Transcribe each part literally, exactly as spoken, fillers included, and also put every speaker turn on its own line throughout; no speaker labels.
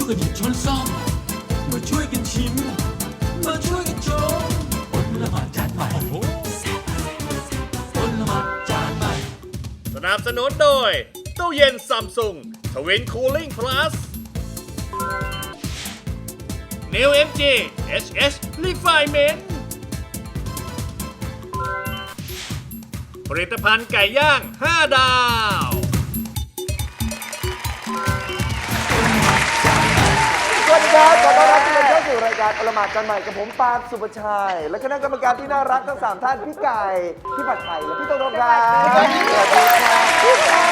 กันหยิบช้อนซ่อมมาช่วยกันชิมมาช่วยกันชมอดละหมาดจานใหม่อดละหมาดจานใหม่
สนับสนุนโดยตู้เย็นซัมซุงทวินคูลิ่งพลัส New เอ็ม จี เอช เอช Refinement ผลิตภัณฑ์ไก่ย่างห้าดาว
สวัสดีครับขอต้อนรับทุกท่านเข้าสู่รายการอลหม่านจานใหม่กับผมปาล์มสุภชัยและคณะกรรมการที่น่ารักทั้งสามท่านพี่ไก่พี่ผัดไทยและพี่โตโน่ครับสวัสดีครับพี่ไก่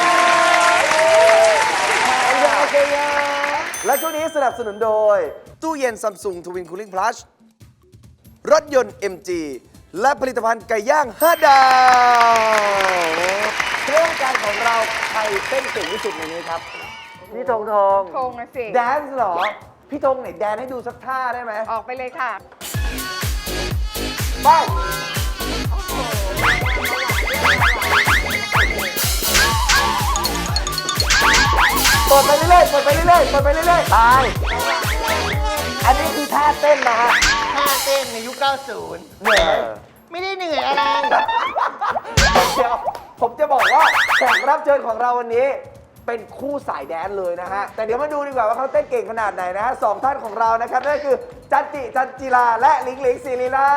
โอเคและช่วงนี้สนับสนุนโดยตู้เย็นซัมซุงทวินคูลิ่งพลัสรถยนต์ เอ็ม จี และผลิตภัณฑ์ไก่ย่างห้าดาวเรื่องการของเราใครเต้นเก่งที่สุดในนี้ครับพี่ธงธง
ธงนะสิ
แดนซ์เหรอ พี่ธงไหนแดนให้ดูสักท่าได้ไหม
ออกไปเลยค่ะ
ไปเปิดไปเรื่อยๆเปิดไปเรื่อยๆเปิดไปเรื่อยๆตายอันนี้คือท่าเต้นนะฮะ
ท่าเต้นในยุค เก้าสิบ
เหนื่อย
ไม่ได้เหนื่อยอะไร
เดี๋ยวผมจะบอกว่าแขกรับเชิญของเราวันนี้เป็นคู่สายแดนเลยนะฮะ แต่เดี๋ยวมาดูดีกว่าว่าเขาเต้นเก่งขนาดไหนนะฮะสองท่านของเรานะครับนั่นคือจันจิจันจิลาและหลิงหลิงศิริลา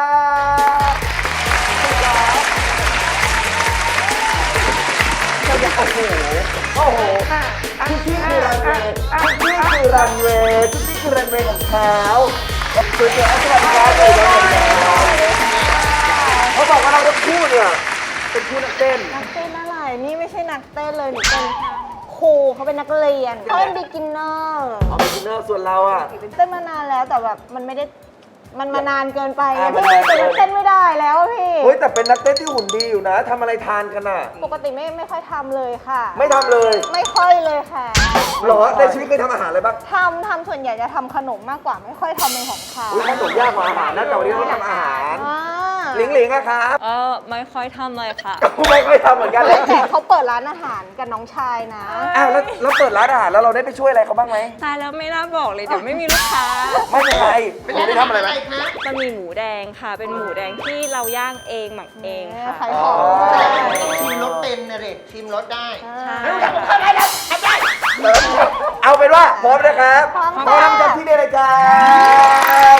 โอ้โหโอ้โหทุกที่คือรันเวย์ทุกที่คือรันเวย์ทุกที่คือรันเวย์ของเขาคือเจออัศวินแดนเลยเขาบอกว่าเราทั้งคู่เนี่ยเป็นคู่นักเต้น
นักเต้นอะไรนี่ไม่ใช่นักเต้นเลยหนูเป็นครูเขาเป็นนักเรียนเขาเป็นบิ๊กินเนอร์
เอาเป็นดินเนอร์ส่วนเราอ่ะ
เต้นมานานแล้วแต่แบบมันไม่ได้มันมานานเกินไป
อ่า
พี่เป็นนักเต้นไม่ได้แล้วพี่
เฮ้ยแต่เป็นนักเต้นที่หุ่นดีอยู่นะทำอะไรทานกันอ่ะ
ปกติไม่ไม่ค่อยทำเลยค่ะ
ไม่ทำเลย
ไม่ค่อยเลยค่ะ
เหรอในชีวิตเคยทำอาหารอะไรบ้าง
ทำทำส่วนใหญ่จะทำขนมมากกว่าไม่ค่อยทำเป็นของเขา
อุ้ยขนมยากกว่าอาหารนะแต่วันนี้เราทำอาหาร
อ่า
หลิงหลิงอะครับ
เออไม่ค่อยทำเลยค่ะ
ไม่ค่อยทำเหมือนกันเลย
แต่เขาเปิดร้านอาหารกับน้องชายนะ
อ้าวแล้วแล้วเปิดร้านอาหารแล้วเราได้ไปช่วยอะไรเขาบ้างไหม
ตายแล้วไม่น่าบอกเลยเดี๋ยวไม่มีลูกค้า
ไม่เป็นไรหนูได้ทำอะไรไหม
คะ
มันมีหมูแดงค่ะ เป็นหมูแดงที่เราย่างเองหมักเองค่ะ
ขายของ
ชิมรสเป็นนะเด็กชิมรสได้
ใช่
เอาเป็นว่าพร้อมนะครับ
พร้อม
พร้อ
ค่ะ
มกันที่นี่เลยครับ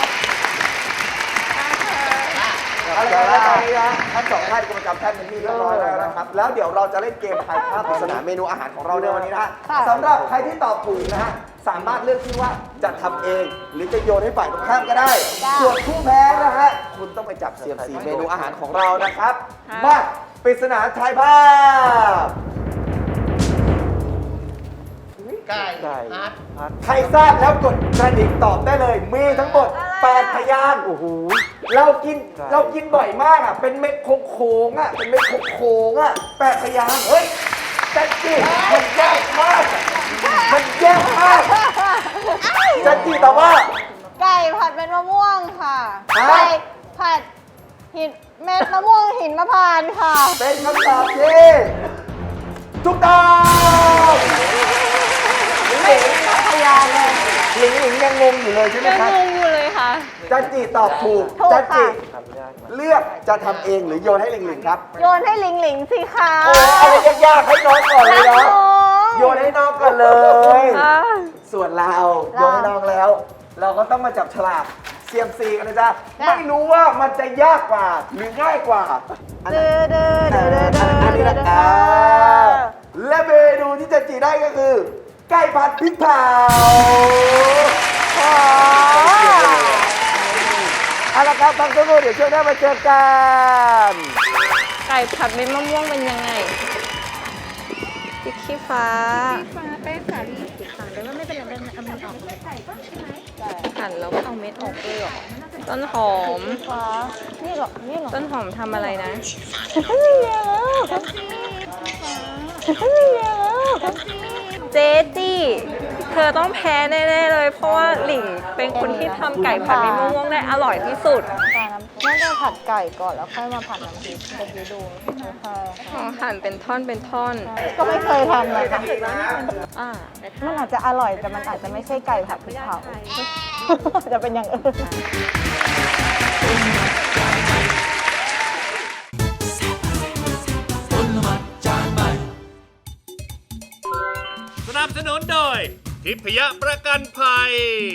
เอาละครับตอนนี้นะทั้งสองท่านกรรมการท่านเป็นที่เรียบร้อยแล้วนะครับแล้วเดี๋ยวเราจะเล่นเกมทายภาพปริศนาเมนูอาหารของเราในวันนี้นะฮะสำหรับใครที่ตอบถูกนะฮะสามารถเลือกที่ว่าจะทำเองหรือจะโยนให้ฝ่ายตรงข้ามก็ได้ ส่วนผู้แพ้นะฮะคุณต้องไปจับเสียมสีเมนูอาหารของเรานะครับมาปริศนาทายภาพ
ไก่
ไก่
ฮัท
ใครทราบแล้วกดกระดิ่งตอบได้เลย มีทั้งหมดแปดพยางค์โอ้โหเรากินเรากินบ่อยมากอ่ะเป็นเม็ดโค้งๆอ่ะเป็นเม็ดโค้งๆอ่ะแปดพยางค์เฮ้ยจันจิมันยากมากมันยากมากจันจิตอบว่า
ไก่ผัดเป็นมะม่วงค่ะ
ฮะ
ไก่ผัดหินเม็ดมะม่วงหินมะพร้าวค่ะ
เป็นคำตอบที่ถูกต้องหลิงหลิง
พยานเลย
หลิงหลิงยังงงอยู่เลยใช่ไหม
ยัง
ครับ
งงอยู่เลยค่ะ
จันจิตอบถูก
ถูก
จันจิ
ค่ะ
เลือกจะทำเองหรือโยนให้หลิงหลิงครับ
โยนให้หลิงหลิงสิคะ
โอ้อะไรยากๆให้น้องก่อนเลย
รัก
เนาะ
น้อง
โยนให้น้องก่อนเลย
อ่า
ส่วนเรา
เรา
โยนให้น้องแล้ว เราก็ต้องมาจับฉลากเซียมซีกันนะจ๊ะ
จ้ะ
ไม่รู้ว่ามันจะยากกว่าหรือง่ายกว่าอัน
เด้อเด้อ
อั
เด้อเด้อเด้อ
นนี้นะ
เด้อ
อ่าและเมนูที่จะจีได้ก็คือ ไก่ผัดพริกเผาเอาละครับพักสักครู่เดี๋ยวช่วงหน้ามาเจอกัน
ไก่ผัดเม็ดมะม่วงเป็นยังไงพริกขี้ฟ้า
ฟ้าแป้งสาลีสีขาวแต่ว่าไม่เป็นไรเอามันออกเลย
หั่นแล้วก็เอาเม็ดออกเลยเหรอ ต้นหอม
ฟ้านี่เหรอนี่เหรอ
ต้นหอมทำอะไรนะ
นี่แล้วนี่แล้ว
เจจี้ เธอต้องแพ้แน่ๆเลย เพราะว่าหลิงเป็นคนที่ทำไก่ผัดเม็ดมะม่วงได้อร่อยที่สุด
นั่นก็ผัดไก่ก่อนแล้วค่อยมาผัดน้ำพริกเมื่อกี้ดูใช่ค่ะ
อ๋อหั่นเป็นท่อนเป็นท่อน
ก็ไม่เคยทำเลยนะ
อ่า
มันอาจจะอร่อยแต่มันอาจจะไม่ใช่ไก่ผัดพริกเผาจะเป็นอย่างอื่น
คนละหมัดจานใหม่
สนับสนุนโดยทิพยประกันภัย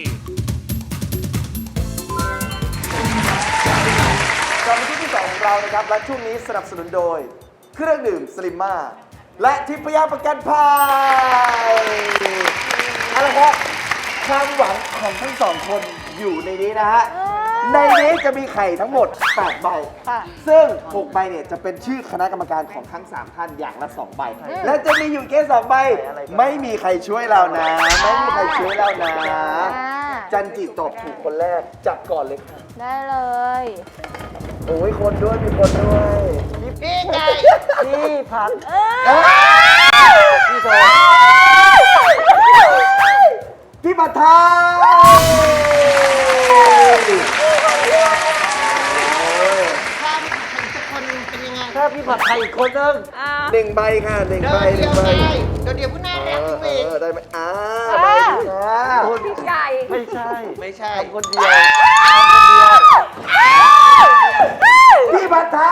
กลับมาที่ที่สองของเรานะครับและช่วงนี้สนับสนุนโดย เครื่องดื่มสลิมมาและทิพยประกันภัยเอาละครับความหวังของทั้งสองคนอยู่ในนี้นะฮะในนี้จะมีไข่ทั้งหมดแปดใบ
ค่ะ
ซึ่งหกใบเนี่ยจะเป็นชื่อคณะกรรมการของทั้งสามท่านอย่างละสองใบ และจะมีอยู่แค่สองใบ ไม่มีใครช่วยเรานะ ไม่มีใครช่วยเรานะ จันจิตอบถูกคนแรกจัดก่อนเลยค่ะ
ได้เลย
โอ้ยคนด้วยมีคนด้วย
พี่ไก่
พี่ผัด
เอ้ย
พี่โซพี่ผัดไทย
ความเห็นสักคนเป็นยังไง
ถ้าพี่ผัดไทยอีกคนนึง
อ่า
หนึ่งใบค่ะหนึ่ง
เดิ
ใบ
น
ห
เดี
นึ่
ยว
งใบ
ไงเดินเดียวผู้น่า
เอ
รัก
อ
จ
เอ
ริง
อได้ไหมอ่าใบหนึ่งค่ะ
พี่ไก่
ไม่ใช่
ๆไม่ใช่
คนเดียวพี่ผัดไท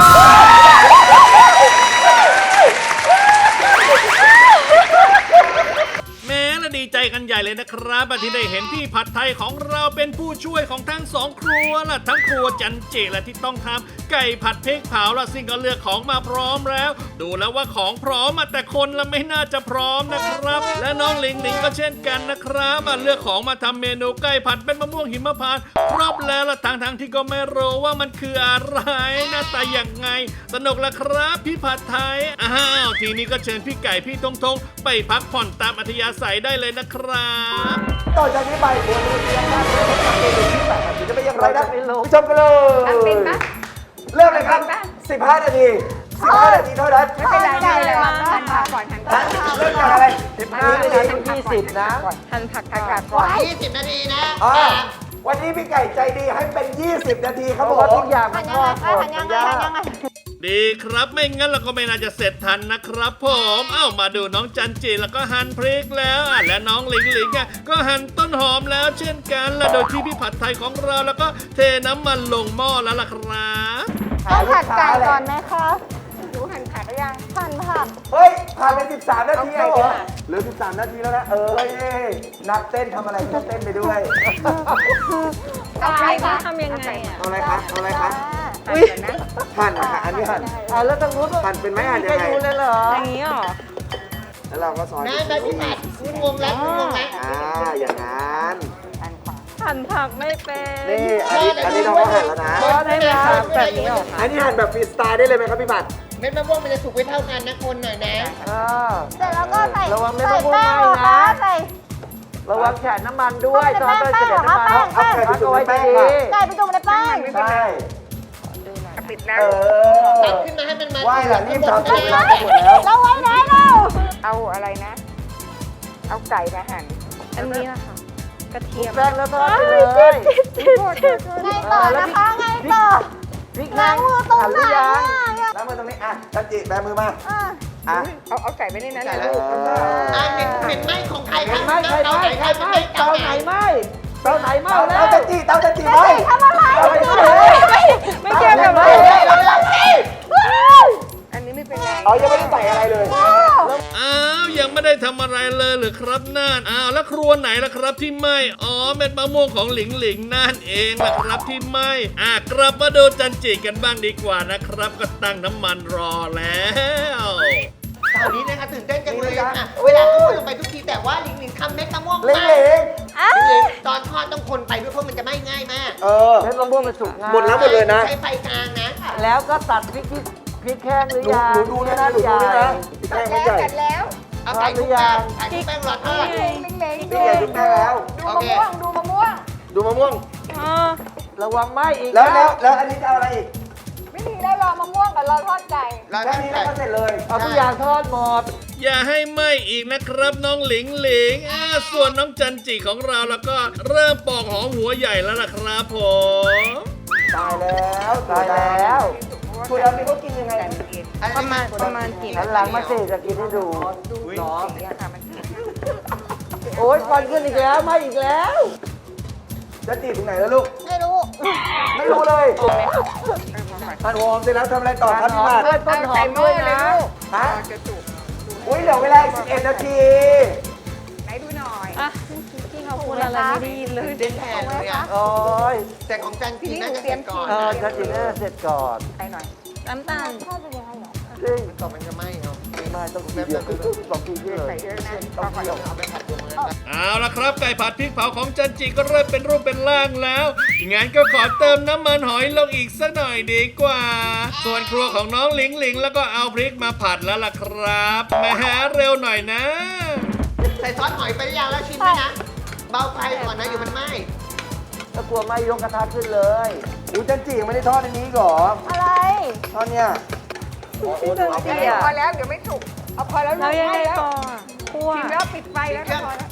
ย
แม้ละดีใจกันใหญ่เลยนะครับที่ได้เห็นพี่ผัดไทยของเราเป็นผู้ช่วยของทั้งสองครัวล่ะทั้งครัวจันเจและที่ต้องทำไก่ผัดพริกเผาละซึ่งก็เลือกของมาพร้อมแล้ว ดูแล้วว่าของพร้อมอะแต่คนละไม่น่าจะพร้อมนะครับ และน้องหลิงหลิงก็เช่นกันนะครับอ่ะเลือกของมาทำเมนูไก่ผัดเป็นมะม่วงหิมพานต์ครบแล้วละทางทางๆที่ก็ไม่รู้ว่ามันคืออะไรหน้าตาอย่างไง สนุกละครับพี่ผัดไทยอ้าวทีนี้ก็เชิญพี่ไก่พี่ทงทงไปพักผ่อนตามอัธยาศัยได้เลยนะครับ
ต่อจากนี้ไปควรรู้เรียนการเรียนรู้เกมที่แบบนี้จะเป็นอย่างไรนะไปชมกันเลย
อันเป็นปะ
เริ่มเลยครับ สิบห้า นาที สิบห้า นาทีเท่านั้น
ไม่เป็นไรไม่เป็นไรหั่นผักก่อนหั่นผัก
เริ่มจากอะไรสิบห้า นาทียี่สิบนะ
หั่นผักก่อน
ยี่สิบนาทีนะ
อ่าวันนี้พี่ไก่ใจดีให้เป็น ยี่สิบ นาทีครับผม
หันยังไงคะหันยังไงหันยังไง
ดีครับไม่งั้นเราก็ไม่น่าจะเสร็จทันนะครับผมเอ้ามาดูน้องจันจีแล้วก็หั่นพริกแล้วอ่ะและน้องหลิงหลิงอ่ะก็หั่นต้นหอมแล้วเช่นกันและโดยที่พี่ผัดไทยของเราแล้วก็เทน้ำมันลงหม้อแล้วล่ะครับ
ต้องผัดไก่ก่อนไหมคะหนูหั่นผักหรือยังหั่นผัก
เฮ้ย ผ่านไปสิบสาม นาทีแล้วเหรอเหลือสิบสาม นาทีแล้วนะ เออนักเต้นทำอะไรก็เต้นไปด้วย
เอาไปต้องทำยังไงอ่ะ
เอาอะไรคะเอาอะไรคะ
หั่นก่อนนะ
หั่นค่ะอันนี้หั่นอ่าแล้วตรงนู้นหั่นเป็นไหมหั่นยังไง
อย่างนี้เหรอ
แล้วเราก็ซอย
นะนะพี่ผัดคุณงงแล้วคุณงงแล้ว
อ่าอย่างนั้น
หั่นผักไม่เป็น
นี่อันนี้อันนี้เราก็หั่นแล้วนะ
ได้ไหมคะแบบนี้เหรอคะ
อันนี้หั่นแบบฟรีสไตล์ได้เลยไหมครับพี่บัตร
เม็ดมะม่วงมันจะสุกไม่เท่ากันนะคนหน่อยนะ
เสร็จแล้วก็ใส่
ระวังไม่
ใส่
ต้องพูด
แป้ง
ไม่
เหรอ
นะ
คะใส่
ระวังแฉะน้ำมันด้วย
ตอนไปเสด็จน้ำมัน
เอาเอาไก่ไปจุ่มในแป้งค่ะ
ไก่ไปจุ่มในแป้ง
ใช่
ปิดแล้ว
เออ
ตักขึ้นมาให้มันมา
ว่ายล่ะรีบทำ
ข้า
เว
งบ
ลาน จะหมดแล้ว
เราไว้ไหนเรา
เอาอะไรนะ เอาไก่มาหั่น อันนี้ล่ะค่ะ กระเทียม
แป้งแล้วทอดไปเลย
ไงต่อนะคะไงต่อ
พริก
ล้างมือตรงไหนอ่ะ
ล้างมือตรงนี้อ่ะจันจิแบมือมา
อ่ะ
อ่ะ
เอาเอาไก่ไปในนั้น
ไก่
นะ
แล้ว
ลูก
อ่าเป็นเป็นไหม้ของใครครับ
ไม่ใคร
เตาไหนใครเป็นไหม้เตาไหน
เตาไหนเมาแล้วเตาจันจิเตาจันจิไหม
ทำอะไร
ไม่ไม่เกี่ยวกับ
ไม่
ไม่
ไม่ไม่
อันนี้ไม่เป็นไร
อ๋อยังไม่ได้ใส่อะไรเลย
อ้าวยังไม่ได้ทำอะไรเลยเหรือครับน่านอ้าวแล้วครัวไหนล่ะครับที่ไหม่อ๋อเม็ดมะม่วงของหลิงหลิงนั่นเองล่ะครับที่ไหม่อ่ะกลับมาดูจันจิกันบ้างดีกว่านะครับ ก็ตั้งน้ำมันรอแล้ว
คราวนี้นะคะตื่นเต้นจังเลยอ่ะเวลาพูดลงไปทุกทีแต่ว่าหลิงหลิงทำเม็ดมะม่วง
เล้ง
มา
เล้ง
หลิงตอนทอดต้องคนไปด้วยเพราะมันจะไหม้ง่ายมาก
เออเม็ดมะม่วงมันสุกหมดแล้วหมดเลยนะ
ใช้ไฟกลางนะ
แล้วก็ตัดพริกที่พริกแห้งหรือ
หนู
ยัง
หนูดูด้วยนะหนูดูด้วยนะพี่แป้งไม่ใหญ่
เอาไก่ทุกแป้งไก่ทุกแป้งรอทอด
พี่ใหญ่ทุกแป้งแล้ว
โอเค
ดูมะม่วง
อ๋อ
ระวังไหม้อีก
แล้วแล้วแล้วอันนี้จะเอาอะไรอีก
ไม่มีแล้วรอมะม่วงกับรอทอดไก่
รอท
แค่
อด
นี้
ไก่
แล้วก็เสร็จเลย
เอาทุกอย่างทอดหมด
อย่าให้ไหม้อีกนะครับน้องหลิงหลิงอ่าส่วนน้องจันจิของเราแล้วก็เริ่มปอกหอมหัวใหญ่แล้วล่ะครับผม
ตายแล้วตายแล้วถั่วดำนี่เขากินยังไง
ประมาณประมาณกี่
หันหลังมาสิจะกินให้ดู
น้องเนี่ยค่ะมัน
โอ๊ยควันขึ้นอีกแล้วมาอีกแล้ว
จะจีบตรงไหนแล้วลูก
ไม่รู้
ไม่รู้เลยท่านโฮมเสร็จแล้วทำอะไรต่อครับพี่มาด
เพื่อนต้นหอมด้วยนะ
ฮะอุ้ยเหลือเวลาอีกสิบเอ็ดนาที
ไหนดูหน่อย
อ่ะพี่เขาพูดอะไรไม่ได้ยินเลย
ตื่นเต้นแทนเลยอ่ะ
โอ๊ย
แต่ของจันจีน่าจะเสร็จก่อน
เออจะกินให้เสร็จก่อน
ไปหน่อย
น้ำตาลทอดเป็นยังไงเหรอ
จริง
ต่อมันจะไหม้เอา
ไม่ต้องกินเยอะสองกินเยอะเลย
ใส่เยอะนะ
ต้องเกี่ยวเอาไปผัดตัวมัน
เอาละครับไก่ผัดพริกเผาของจันจิก็เริ่มเป็นรูปเป็นร่างแล้วงั้นก็ขอเติมน้ำมันหอยลงอีกสักหน่อยดีกว่า ส่วนครัวของน้องหลิงหลิงแล้วก็เอาพริกมาผัดแล้วล่ะครับแหมเร็วหน่อยนะ
ใส่ซอสหอยไปหรือยังแล้วชิมไหมนะ เบาไฟก่อนนะอยู่มันไหม้
ถ้ากลัวไม่ยกกระทะขึ้นเลย
อุ้ยจันจียังไม่ได้ทอดอันนี้ก่อ
อะไร
ทอดเนี่ย
พอแล้วเดี๋ยวไม่สุก เอาพอแล้ว
เรายังไง
แล้ว
ต่อคั่ว
ชิมแล้วปิดไฟแล้วก็พอแล้ว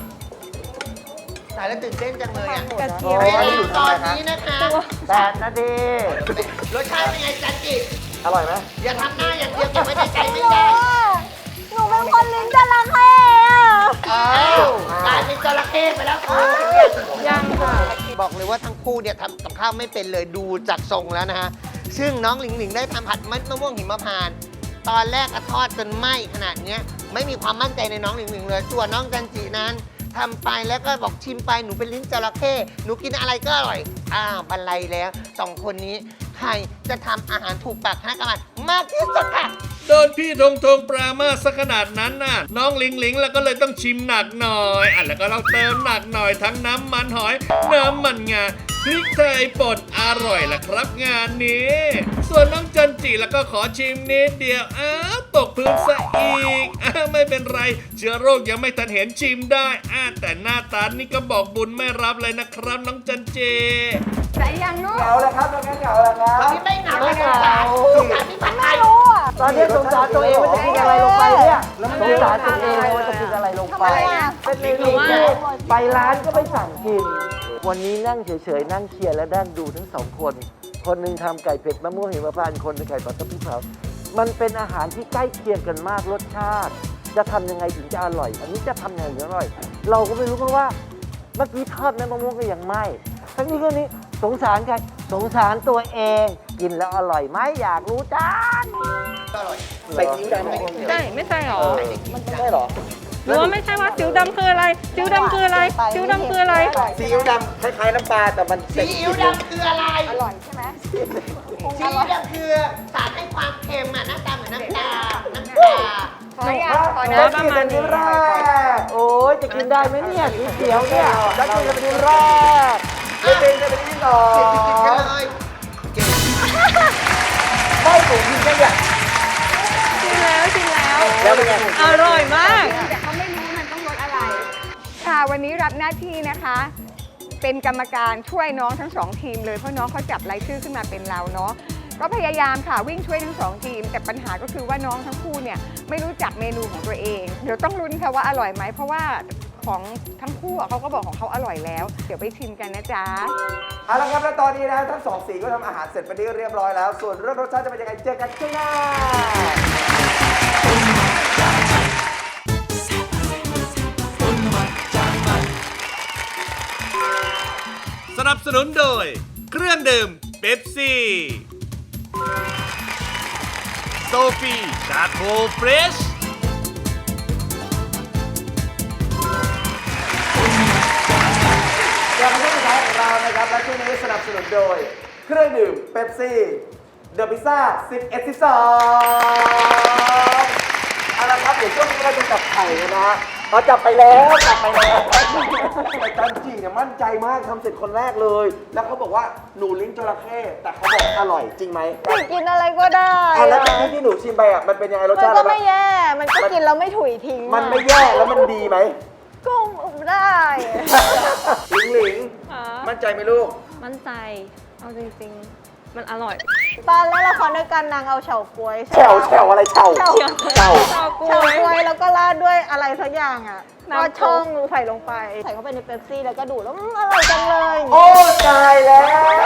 ถ่ายแล้วตื่นเต้นจังเลยอ่ะ
กระเทียม
เวลาตอนนี้นะคะ
แปดนาที
รสชาติเป็นไงจันจิ
อร่อยไหม
อย่าทำหน้าอย่างเดียวเก็บไว้ในใจ
ไม่
ไม่
รู้
ได้
อ่ะหนูเป็นคนลิ้นจระเข้อะ
อ้าวกลายเป็นจระเข้ไปแล้วคุณ
ยังค่ะ
บอกเลยว่าทั้งคู่เนี่ยทำกับข้าวไม่เป็นเลยดูจากทรงแล้วนะฮะ ซึ่งน้องหลิงหลิงได้ทำผัดมันมะม่วงหิมพานต์ตอนแรกก็ทอดจนไหม้ขนาดเนี้ยไม่มีความมั่นใจในน้องหลิงหลิงเลย ส่วนน้องจันจินั้นทำไปแล้วก็บอกชิมไปหนูเป็นลิ้นจระเข้หนูกินอะไรก็อร่อย อ้าวบรรลัยแล้วสองคนนี้ใครจะทำอาหารถูกปากคณะกรรมการมากที่สุดค่ะ
โดนพี่ธงธงปรามาสักขนาดนั้นน่ะ น้องหลิงหลิงแล้วก็เลยต้องชิมหนักหน่อยอ่ะแล้วก็เราเติมหนักหน่อยทั้งน้ำมันหอย น้ำมันงาพริกไทยป่นอร่อยละครับงานนี้ ส่วนน้องจันจิแล้วก็ขอชิมนิดเดียวอ้าวตกพื้นซะอีกอ้าวไม่เป็นไรเชื้อโรคยังไม่ทันเห็นชิมได้อ่าแต่หน้าตานี่ก็บอกบุญไม่รับเลยนะครับน้องจันจิ
ใส่ยังนู้
เหงาแล้วครับแล้วงั้นเหงาแล้วครับ
ตอนนี้ไม่เหงาเลยค่ะสงสารพี่ผัดไท
ไม่
ย
รู้อ่ะ
ตอนนี้สงสารตัวเองว่าจะกินอะไรลงไปเนี่ยสงสารตัวเองว่าจะกินอะไรลงไป
ทำไมอ่ะ
เป็นเมนูที่ไปร้านก็ไม่สั่งกิน วันนี้นั่งเฉยๆ นั่งเคลียร์และนั่งดูทั้งสองคน คนหนึ่งทำไก่เผ็ดมะม่วงหิมพานต์คนหนึงไก่ผัดกะเพราเผามันเป็นอาหารที่ใกล้เคียงกันมากรสชาติ จะทำยังไงถึงจะอร่อย อันนี้จะทำยังไงถึงอร่อย เราก็ไม่รู้เพราะว่าเมื่อกี้ทอดแม่มะม่วงก็ยังไหม้ทั้งนี้ก็นี้สงสารใครสงสารตัวเอง กินแล้วอร่อยไหมอยากรู้จัง
อร่อย
ใส่กิ้วดำไหม
ใช่ไม่ใช่หรอ
มันใช่เหรอ
หรือว่าไม่ใช่ว่าสิวดำคืออะไรสิวดำคืออะไรสิวดำคืออะไร
ซีอิ๊วดำคล้ายๆน้ำปลาแต่มัน
ซีอิ๊วดำคืออะไร
อร่อยใช่ไหม
ซีอิ๊วดำคือสารให้ความเค็มอ่ะหน้าตาเหมือนน้ำตา น้ำตา
ขอยังขอ
แล้
นะ
วกินเป็นที่แรก
โอ้ยจะกินได้ไหมเนี่ยสีเขียวเนี่ย
แล้วกินเป็นที่แรกไม่เป็นจะเป็นที่สอง
กินกันเลย
ไม่ถูกกินแค่เนี่ย
ชิมแล้วชิมแล้ว
แล้วเป็นไง
อร่อยมาก แต่เขาไม่รู้มันต้องรสอะไร ค่ะวันนี้รับหน้าที่นะคะ เป็นกรรมการช่วยน้องทั้งสองทีมเลยเพราะน้องเขาจับรายชื่อขึ้นมาเป็นเราเนาะก็พยายามค่ะวิ่งช่วยทั้งสองทีม แต่ปัญหาก็คือว่าน้องทั้งคู่เนี่ยไม่รู้จักเมนูของตัวเอง เดี๋ยวต้องลุ้นค่ะว่าอร่อยไหมเพราะว่าของทั้งคู่อะเขาก็บอกของเขาอร่อยแล้ว เดี๋ยวไปชิมกันนะจ๊ะ
เอาละครับแล้วตอนนี้นะทั้งสองสีก็ทำอาหารเสร็จไปที่เรียบร้อยแล้ว ส่วนเรื่องรสชาติจะเป็นยังไงเจอกันช่วงหน้า
สนับสนุนโดย เครื่องดื่มเป๊ปซี่โซฟีชาโคเฟรช
กลับมาที่สุดท้ายของเรานะครับและช่วงนี้สนับสนุนโดย เครื่องดื่มเป๊ปซี่เดอะพิซซ่าสิบเอ็ด สิบสองเอาละครับเดี๋ยวช่วงนี้เราจะจับไข่กันนะฮะเราจับไปแล้วจับไปแล้วแต่จันจีเนี่ยมั่นใจมากทำเสร็จคนแรกเลย แล้วเขาบอกว่าหนูลิ้นจระเข้แต่เขาบอกอร่อยจริงไหม
หนูกินอะไรก็ได้
อ่ะแล้ว
อะ
ที่ที่หนูชิมไปอ่ะมันเป็นยังไงรส
มัน
ชาติ
ก็
อะไร
ไม่แย่ มันก็กินแล้วไม่ถุยทิ้ง
มัน
อะ
ไม่แย่แล้วมันดีไหม
ก็ได้
หลิงหลิงมั่นใจไหมลูก
มั่นใจ เอาจริงมันอร่อย
ตอนเล่นละครด้วยกันนางเอาเฉาก๊วยใช่
แฉว
ปะ
แฉวอะไรแฉว
เฉา
แฉว
เฉาก๊ว
เฉาย ก๊วยแล้วก็ราดด้วยอะไรสักอย่างอ่ะ
น้ำ
ก็ช่องใส่ลงไป ใส่เข้าไปในเป๊ปซี่แล้วก็ดูดแล้วอืมอร่อยจังเลย
โอ้ตายแล้ว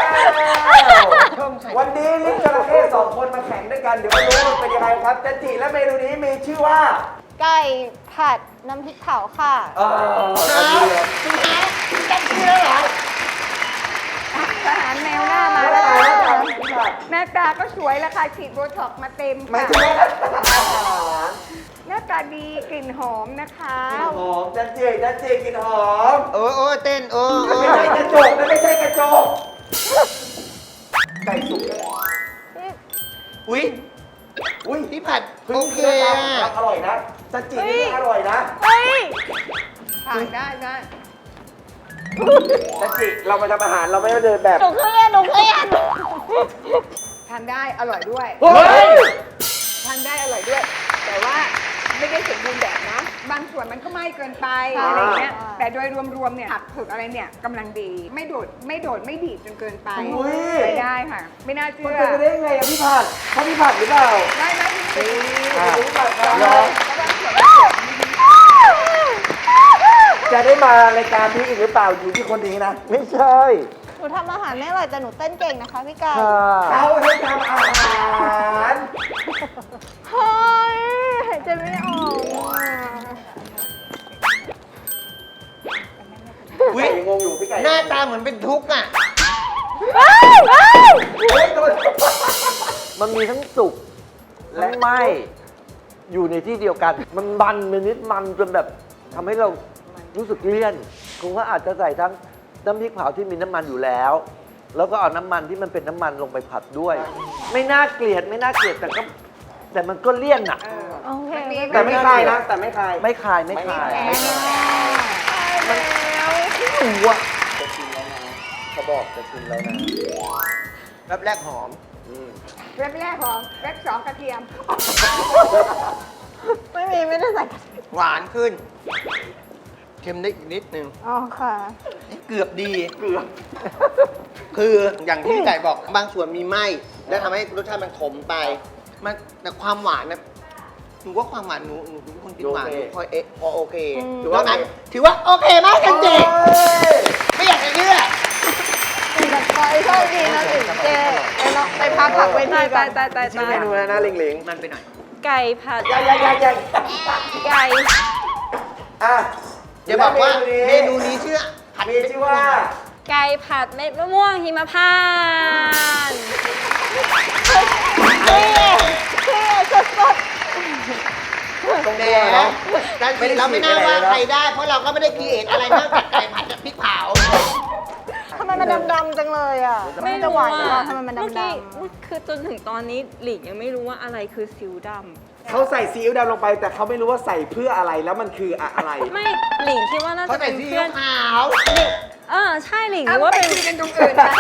วันนี้ลิ้นจระเข้สองคนมาแข่งด้วยกัน เดี๋ยวไม่รู้ว่ามันเป็นยังไงครับจันจิและเมนูนี้มีชื่อว่า
ไก่ผัดน้ำพริกเผาค่ะ
เอออันนี้เลย
อาหารแมวหน้ามาแล้วค่ะหน้าตาก็สวยแล้วค่ะฉีดโบท็อกซ์มาเต็ม
ไม่
ค่ะ
ใช่อาหาร
หน้าตาดีกลิ่นหอมนะคะ
หอมจันจิจันจิกินหอม
โอ้โอ้เต้นโอ้โอ้
ไม่ใช่กระจกนะไม่ใช่กระจกไก่สุก
อุ้ย
อุ้ย
พี่ผัด
พึ่
โอง เค
เนื้อ
อะ
อร่อยนะจันจินี่อร่อยนะ
เฮ้ย
ถ่ายได้ได้
จันจิเรามาทำอาหารเราไม่ได้เดินแบบ
หนูเครียดหนูเครียด
ทานได้อร่อยด้วย
เฮ้ย
ทานได้อร่อยด้วย แต่ว่าไม่ได้สมบูรณ์แบบนะ บางส่วนมันก็ไหม้เกินไป
อ่า
อะไรเงี้ย แต่โดยรวมๆเนี่ยผักผึกอะไรเนี่ยกำลังดี ไม่โดดไม่โดดไม่ดีดจนเกินไป
อุ้ย
ใช้ได้ค่ะ ไม่น่าเชื่
มัน
อ
เป็นไปได้ยังไงอะพี่ผัดเขาพี่ผัดหรือเปล่า
ได้ไหมพี่
อ่าพี่ผัดครับ
ลอง
จะได้มารายการนี้อีกหรือเปล่าอยู่ที่คนนี้นะ
ไม่ใช่
หนูทำอาหารไม่อร่อยแต่หนูเต้นเก่งนะคะพี่ไก่
ค่ะ
เขาให้ทำอาหาร
เฮ้ยหายใจไม่ออกอ่ะ
พี่ไก่ยังงงอยู่พี่ไก่
หน้าตาเหมือนเป็นทุกข์อ่ะ
เฮ้ยตัว
มันมีทั้งสุกและไหมอยู่ในที่เดียวกัน มันมันมันนิดมันจนแบบทำให้เรารู้สึกเลี่ยนคงก็อาจจะใส่ทั้งน้ำพริกเผาที่มีน้ำมันอยู่แล้ว แล้วก็เอาน้ำมันที่มันเป็นน้ำมันลงไปผัดด้วย ไม่น่าเกลียดไม่น่าเกลียดแต่ก็แต่มันก็เลี่ยนอ่ะ
โอเค
แต่ไม่คายนะ แต่ไม่คาย
ไม่คายไม่คาย
ไม่คาย
มันหนูอ่ะ
จะชิมแล้วนะเขาบอกจะชิมแล้วนะ
แป๊บแรกหอม
เว็บแรกของเว็บสองกระเทียม
ไม่มีไม่ได้ใส่กระเทียม
หวานขึ้น เค็มได้อีกนิดนึง
อ๋อค่ะ
เกือบดี เกือบ คืออย่างที่พี่ไก่บอกบางส่วนมีไหมแล้วทำให้รสชาติมันขมไป มันแต่ความหวานนะหนูว่าความหวานหนูหนูเป็นคนกินหวานหนูพอเอะพอโอเค
อืม
ถือว่านั้นถือว่าโอเคมากกันเจไม่อยากจะเชื่อ
แต่คอยโชคดีนะถึงเจไปลองไปพักผักเวที
ตาย
กั
ตาย
น
ตายตาย
ชื่อ
ตา
เม
ย
นูแล้วนะลิงลิง
มันไปหน่อย
ไก่ผัด
ใหญ่ใหญ่ใหญ่ใหญ่
ไก่
อ่ะ
เดี๋ยวบอกว่าเม
เม
นู
นูนี้
นี้ชื่อผัด
มีชื่อว่า
ไก่ผัดเม็ดมะม่วงหิมพานต์
เท่เท่สด
ตรง
แห
ตัวเนาะ
แต่
ไม่ได้
เราไม่น่า
ฉีกอะไร
ว่า
เลยนะ
ใครได้ เพราะเราก็ไม่ได้คีเอทอะไรนอกจากไก่ผัดกับพริกเผา
ๆทำไมมันดำๆจังเลยอ่ะ
ไม่
จะ
รู้
หวาน
ว่า
เหรอทำไมมัน
เมื่อกี้
ดำ
คือจนถึงตอนนี้หลิงยังไม่รู้ว่าอะไรคือซิวด
เขาใส่ซีอิ๊วดำลงไป แต่เขาไม่รู้ว่าใส่เพื่ออะไรแล้วมันคืออะไร
ำไม่หลิงคิดว่าน่า
เขา
จะ
ใส่
เป็น
ซี
เพื่
อิ๊
อ
วน ขาว
เออใช่หลิง
เอา
รู้ว่า
ไป
เป็น
คุยกันตรงอื่นนะ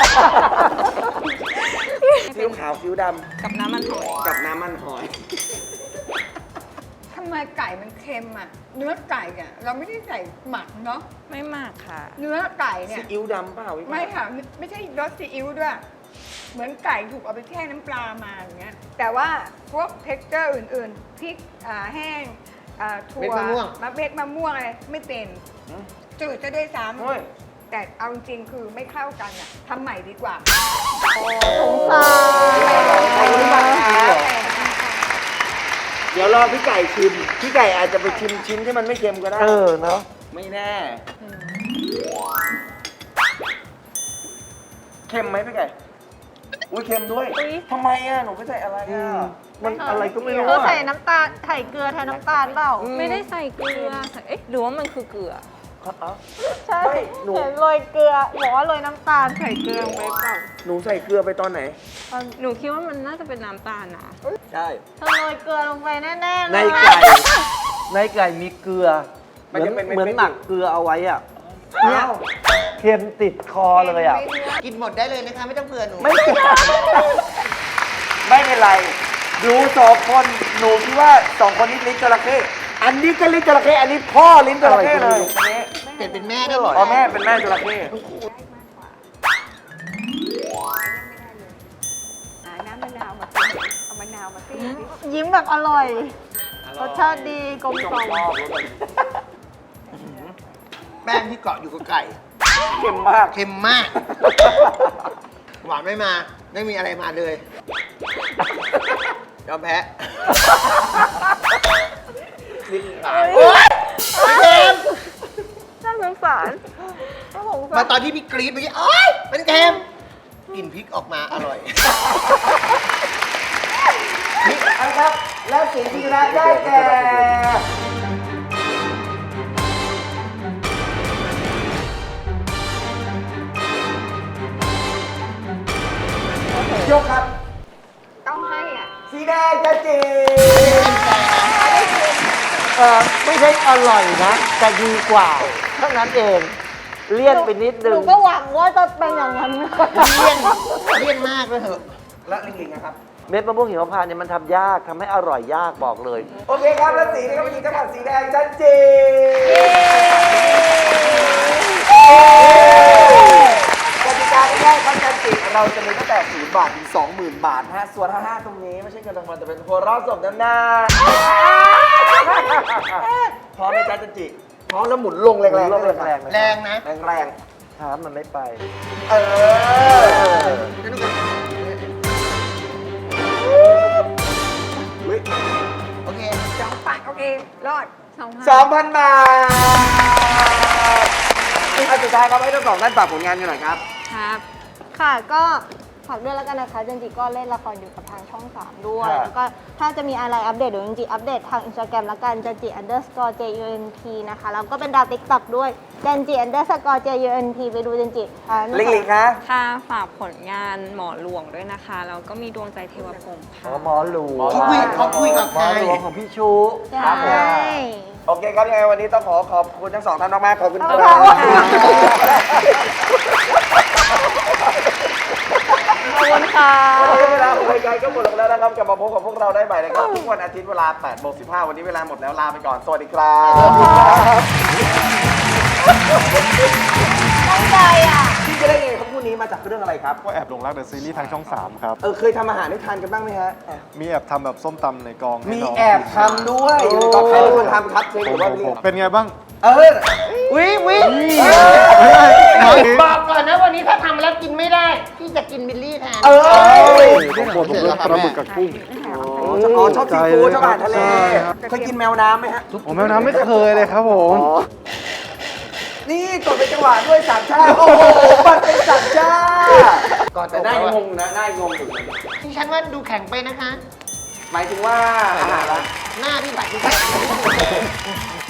ซีอิ๊วขาวซีอิ๊วด
กับน้ำมันหอย
ำกับน้ำมันหอย
ทำไมไก่มันเค็มอ่ะ เนื้อไก่เนี่ยเราไม่ได้ใส่หมักเนาะ
ไม่มากค่ะ
เนื้อไก่เนี่
ซี
ย
อิ๊วดำเปล่าพี่
ไม่ค่ะไม่ใช่รสซีอิ๊วด้วย เหมือนไก่ถูกเอาไปแช่น้ำปลามาอย่างเงี้ยแต่ว่าพวกเท็กเจอร์อื่นๆพริกอ่าแห้งอ่าถั่ว
เม็ดมะม่วง
มะเม็ดมะม่วงอะไรไม่เป็นจืดจะด้วยซ้
เฮ้ย
ำแต่เอาจริงๆคือไม่เข้ากันอ่ะทำใหม่ดีกว่า
สงสาร
เดี๋ยวรอพี่ไก่ชิม พี่ไก่อาจจะไปชิมชิ้นที่มันไม่เค็มก็ได้
เออเนาะ
ไม่แน่ เค็มไหมพี่ไก่ อุ้ยเค็มด้วย
อุ๊ย
ทำไมอ่ะ หนูไม่ใส่อะไรอ่ะ
มันอะไรก็ไม่รู้
เขา
อะ
ใส่น้ำตาลใส่เกลือแทนน้ำตาลเปล่า
ไม่ได้ใส่เกลือใส่เอ๊ะหรือว่ามันคือเกลือ
ใช่
ไม่หนู
เห็นโรยเกลือบอกว่าโรยน้ำตาลใส่เกลือลงไปเปล่า
หนูใส่เกลือไปตอนไหน
หนูคิดว่ามันน่าจะเป็นน้ำตาลนะ
ใช่
เธอโรยเกลือลงไปแน่ๆเลย
ในไก่ ในไก่มีเกลือ เห
มัน
มือน
จะเป็นเม็ดๆ
เหมือนหมักเกลือเอาไว้อ่ะ
อ้าว
เค็มติดคอเลยอ่ะ
กินหมดได้เลยนะคะ ไม่ต้องเผื่อหนู
ไม่เป็นไรไม่เป็นไรดูสองคนหนูคิดว่าสองคนนี้ลิ้นจระเข้อันนี้ก็ลิ้นจระเข้อันนี้พ่อลิ้นจระเข้เลย
เปลี่ยนเป็นแม่ได้หรอ
อ๋อแม่เป็นแม่จระเข้
นาวมาสิเอามะนาวมาสิ
ยิ้มแบบอร่อย รสชาติดีกลมกล่อม
แป้งที่เกาะอยู่กับไก่
เค็มมาก
เค็มมาก หวานไม่มา ไม่มีอะไรมาเลยยอมแพ้โอ๊ยไม่เค็ม
น่าสงสารน่าสงสาร
มาตอนที่พี่กรี๊ดเมื่อกี้โอ๊ยมันเค็มกลิ่นพริกออกมาอร่อย
นี่นะครับ และสีที่ชนะได้แก่ยกครับ
ต้องให้อ่ะ
สีแดงจะจี
เออไม่ใช่อร่อยนะ แต่ดีกว่าเท่านั้นเอง เลี่ยนไปนิด
ห
นึ
นู
ง
ก็หวังว่าจะเป็นอย่างนั้น
เลี่ยนเลี่ยนมากเลยเหอะ
และลิงลิงนะครับ
เม็ดมะม่วงหิมพานต์เนี่ยมันทำยากทำให้อร่อยยากบอกเลย
โอเคครับ และสีนี้ก็เป็นสีจังหวัดสีแดงชัดเจนกติกาง่ายๆครับจันจิเราจะมีตั้งแต่ศูนย์บาทถึงสองหมื่นบาทนะฮะส่วนห้าห้าตรงนี้ไม่ใช่เงินรางวัลแต่เป็นหัวเราะสมน้ำหน้าพร้อมไหมจ๊ะจันจิพร้อมแล้วหมุนลงแรงๆ
ลง
ได้เลย
แรงๆ
แรงนะ
แรง
ถามมันไม่ไป
ๆเอออุ๊ย
โอเค
สองปักโอเค รอดสองพัน
สองพันบาทอันสุดท้ายครับให้ทั้งสองท่านฝากผลงานกันหน่อยครับ
ครับ
ค่ะ ก็ฝากด้วยแล้วกันนะคะจันจิก็เล่นละครอยู่กับทางช่องสามด้วย
ครับ
แล้วก็ถ้าจะมีอะไรอัปเดตเดี๋ยวจันจิอัปเดตทางอินสตาแกรมแล้วกันจันจิ underscore junt นะคะ แล้วก็เป็นดาวติ๊กต็อกด้วยจันจิ underscore junt ไปดูจันจิอ่า
ลิงลิงคะ
ค่ะฝากผลงานหมอหลวงด้วยนะคะ แล้วก็มีดวงใจเทวพรหม
อ๋
ค่ะ
อหมอหลวง
เขาคุยเขาคุยกับ
หม
ใคร
อหลวงของพี่ชู
ใช่
ครับผม
โอเคครับยังไงวันนี้ต้องขอขอบคุณทั้งสองท่านมากๆขอบคุณค
ข
รั
อบบ คุณค่ะ
ขอบคุณค่ะ
วันนี้เวลาของรายการก็หมดลงแล้วนะครับกลับมาพบกับพวกเราได้ใหม่นะครับทุกวันอาทิตย์เวลาแปดโมงสิบห้าวันนี้เวลาหมดแล้วลาไปก่อนสวัสดีครับ
ตั้งใจอ่ะ
ที่จะได้ไงครับคู่นี้มาจากเรื่องอะไรครับ
ก็แอบหลงรักเดอะซีรีส์ทางช่องสามครับ
เออเคยทำอาหารให้ทานกันบ้างไหมฮะ
มีแอบทำแบบส้มตำในกองให้
มี
น้ง
แอบทำด้วยก็ใครเป็นคนทำครับเชฟ
ผ
ห
ม
รือว่า
ผม
พี่
ผมเป็นไงบ้าง
เออ
วิวิ
เออ
บอกก่อนนะวันนี้ถ้าทำแล้วกินไม่ได้ พี่จะกินบิลลี่แทน
เออ
ผมผมเลือกปลาหมึกกับกุ้ง
อ๋อชอบซีฟู้ดชอบอาหารทะเลเคยกินแมวน้ำไหมฮะ
ผมแมวน้ำไม่เคยเลยครับผม
นี่กดเป็นจังหวะด้วยสามชาติโอ้โหมันเป็นสามชาติก่อนแต่ได้งงนะได้งงอยู่
ที่ฉันว่าดูแข็งไปนะคะ
หมายถึงว่าอาหารละ
หน้าพี่บัตรดูแข็ง